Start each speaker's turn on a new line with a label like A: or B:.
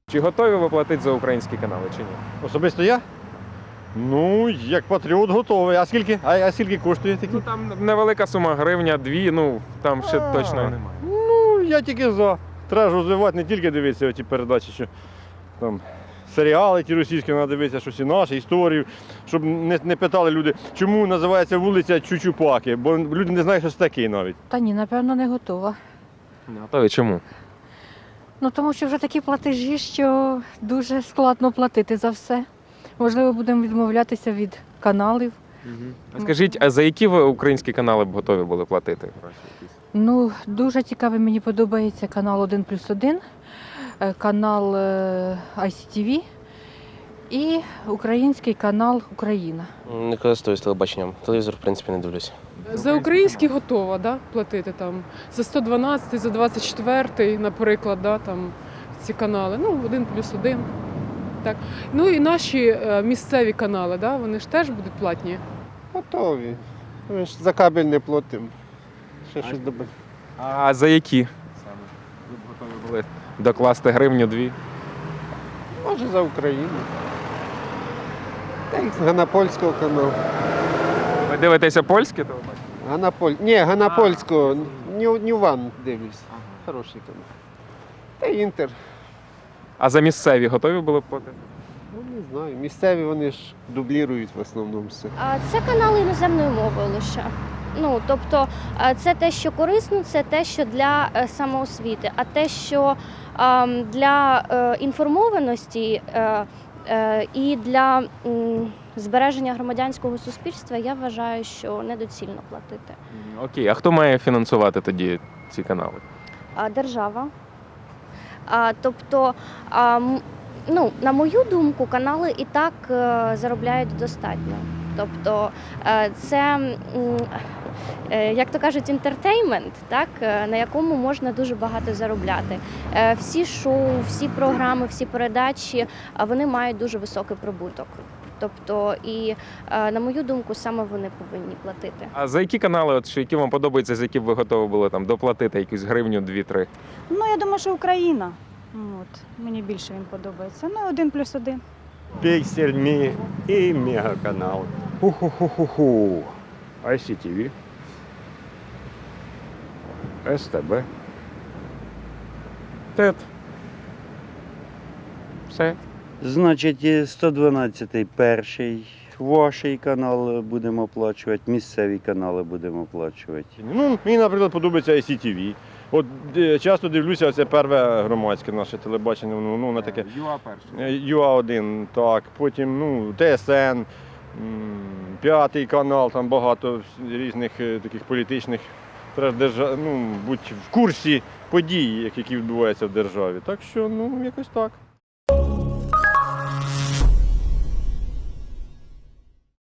A: Чи готові ви платити за українські канали, чи ні?
B: Особисто я? Ну, як патріот готовий. А скільки? А скільки коштує такі?
A: Ну там невелика сума, гривня, 2, ну там ще точно немає.
B: Ну, я тільки за. Треба ж розвивати, не тільки дивитися ті передачі, що там серіали ті російські, треба дивитися, щось і наше, історію, щоб не питали люди, чому називається вулиця Чучупаки, бо люди не знають, що це таке навіть.
C: Та ні, напевно, не готова.
A: Не готові, чому?
C: Ну, тому що вже такі платежі, що дуже складно платити за все. Можливо, будемо відмовлятися від каналів.
A: А скажіть, а за які ви українські канали б готові були платити?
C: Ну, дуже цікавий мені подобається канал 1+1, канал ICTV і український канал Україна.
D: Не користуюсь телебаченням. Телевізор, в принципі, не дивлюся.
E: За український готова, да, платити там за 112, за 24, наприклад, да, там ці канали. Ну, 1+1. Так. Ну і наші місцеві канали, да, вони ж теж будуть платні.
F: Готові. Ми ж за кабель не платимо. Ще щось добре.
A: А за які саме? Ви б готові були докласти гривню, 2?
F: Може за Україну. Та й з Ганапольського каналу.
A: Ви дивитеся польське телебачення?
F: Ні, Ганапольського. Ньюван дивлюсь. Хороший канал. Та й Інтер.
A: А за місцеві готові були б платити?
F: Ну, не знаю. Місцеві вони ж дублірують в основному все.
G: Це канали іноземною мовою лише. Ну, тобто це те, що корисно, це те, що для самоосвіти, а те, що для інформованості і для збереження громадянського суспільства, я вважаю, що недоцільно платити.
A: Окей, а хто має фінансувати тоді ці канали?
G: Держава. Тобто, ну, на мою думку, канали і так заробляють достатньо. Тобто це, як то кажуть, інтертеймент, так, на якому можна дуже багато заробляти. Всі шоу, всі програми, всі передачі, вони мають дуже високий прибуток. Тобто, і, на мою думку, саме вони повинні платити.
A: А за які канали, от, що, які вам подобаються, за які б ви готові були там, доплатити якусь гривню, 2-3?
H: Ну, я думаю, що Україна. От. Мені більше він подобається. Ну, 1+1.
I: Піксель і Мегаканал. Ху-ху-ху-ху-ху. ICTV. СТБ. ТЕТ. Все.
J: Значить, 112-й перший, ваш канал будемо оплачувати, місцеві канали будемо оплачувати.
B: Ну, мені, наприклад, подобається ICTV. От часто дивлюся, це перше громадське наше телебачення, воно таке.
A: ЮА перше.
B: ЮА-1, так, потім ну, ТСН, П'ятий канал, там багато різних таких політичних. Треба бути в курсі подій, які відбуваються в державі. Так що, ну, якось так.